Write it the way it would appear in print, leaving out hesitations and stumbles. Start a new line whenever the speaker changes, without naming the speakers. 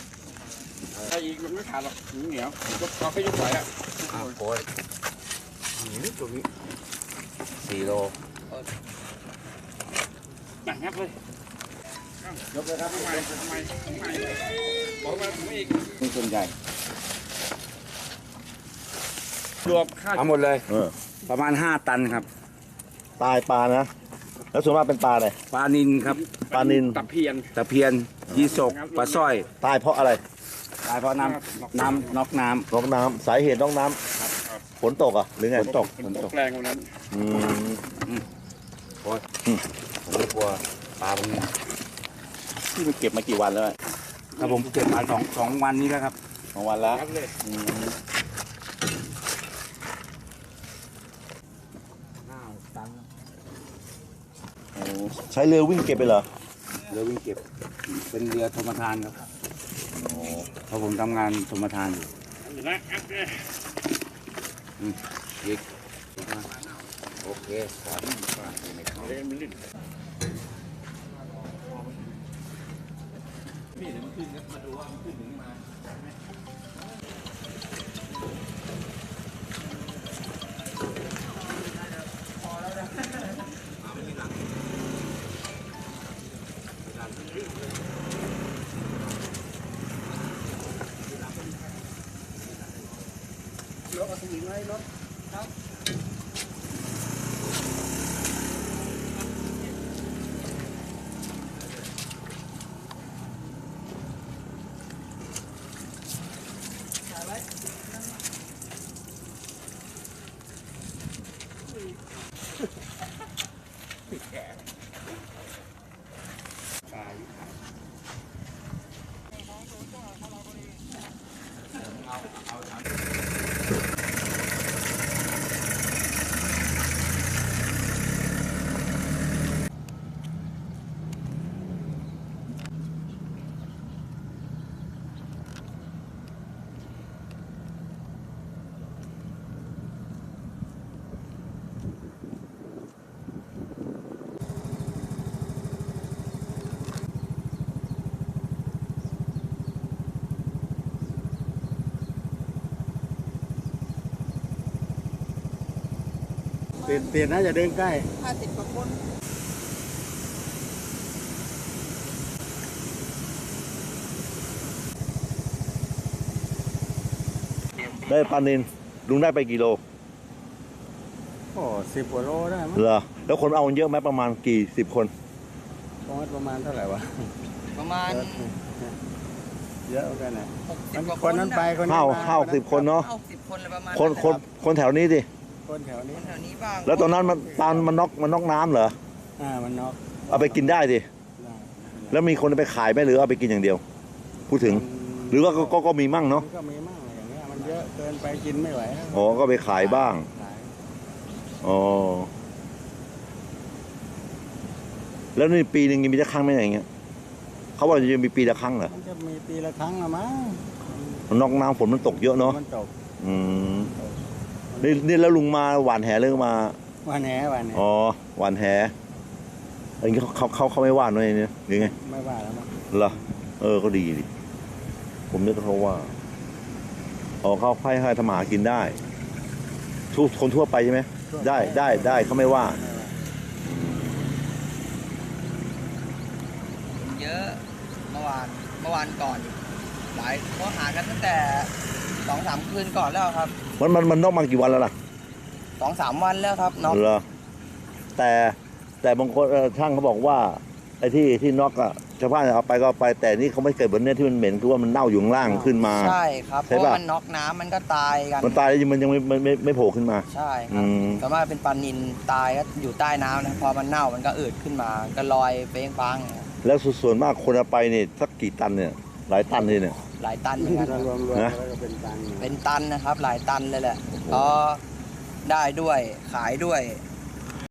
ถ้าอีกมันไม่ขาดหรอกเหนียวเราไปยกไหวอ่ะ
โอ้ยนี่ตัวนี้4 โล
หนักงับเลยยกเลยครับทำไมบอกมาถึงอีกนี่ส่วนใหญ่รวมค่า
ทั้งหมดเลยประมาณ5 ตันครับ
ตายปลานะแล้วส่วนมากเป็นปลาอะไร
ปลานิลครับ
ปลานิล
ตะเพียน
ยีสกปลาสร้อย
ตายเพราะอะไร
ตายเพราะน้ำน็อกน้
ำสาเหตุน็อกน้ำฝนตกอ่ะหรือไง
ฝนตก
แรงวันนั้น
โอ้ยผมกลัวปลาพวกนี้
ที่มันเก็บมากี่วันแล้ว
ครับผมเก็บมา2 วันนี้แล้วครับ
2 วันแล้วใช้เรือวิ่งเก็บไปเหรอ
เรือวิ่งเก็บเป็นเรือธรรมทานครับเพราะผมทำงานธรรมทานอยู่อีกโอเค
รถเอาถึงไหมรถครับ
เปลี่ยนน่าจะเดินใกล้
50 กว่าคน
ได้ปลานิลลุงได้ไปกี่โล
10 กว่าโลได้มั้ง
เหรอแล้วคนเอาเยอะไหมประมาณกี่10 คน
ประมาณเท่าไหร่วะ
ประมาณ
เยอะกันนะ
คน
นั้นไปคน
นี้มา10 คนเนาะ
10 คนเลยประมาณ
คนแถวนี้ดิ
คนแถวนี้
บ้าง
แล้วตอนนั้นมันน็อกน้ำเหรอ
มันน็อก
เอาไปกินได้ดิแล้วมีคนไปขายไหมหรือเอาไปกินอย่างเดียวพูดถึงหรือว่าก็มีมั่งเนาะ
ก็มีมั่งอย่างเงี้ยมันเยอะเกินไปกินไม่ไหว
ก็ไปขายบ้างแล้วนี่ปีหนึ่งมีจะครั้งไหมอย่างเงี้ยเขาว่าจะมีปีละครั้งเหรอ
มันจะมีปีละครั้งละมั้ง
มันน็อกน้ำฝนมันตกเยอะเนาะ
มันตก
นี่แล้วลุงมาหวานแหเรื่องมา
หวานแหหว
านแหอันนี้เขาไม่ว่าหน่อยเนี่ยหรือไง
ไม่ว่าแล้วมั้ง
เหรอก็ดีดิผมนึกเขาว่าเขาให้ทำหากินได้ทุกคนทั่วไปใช่ไหมได้เขาไม่ว่า
เยอะเมื่อวานก่อนหลายเขาหากันตั้งแต่2-3 คืนก่อนแล้วครับ
มันนอกมากี่วันแล้วล่ะ
2-3 วันแล้วครับน็อก
เหรอแต่บางคนช่างเขาบอกว่าไอ้ที่น็อกอะชาวบ้านเอาไปก็ไปแต่นี่เขาไม่เกิดบนเนี้ยที่มันเหม็นคือว่ามันเน่าอยู่ข้างล่างขึ้นมา
ใช่ครับเพราะมันน็อกน้ำมันก็ตายกัน
มันตายแล้วมันยังไม่โผล่ขึ้นมา
ใช่ครับแต่ว่าเป็นปลานิลตายก็อยู่ใต้น้ำนะพอมันเน่ามันก็อืดขึ้นมาก็ลอยเฟ้งฟัง
แล้วส่วนมากคนเอาไปนี่สักกี่ตันเนี่ยหลายตันเลยเนี่ย
หลายตันเหมือนกัน
นะ
เป็นตันนะครับหลายตันเลยแหละก็ได้ด้วยขายด้วย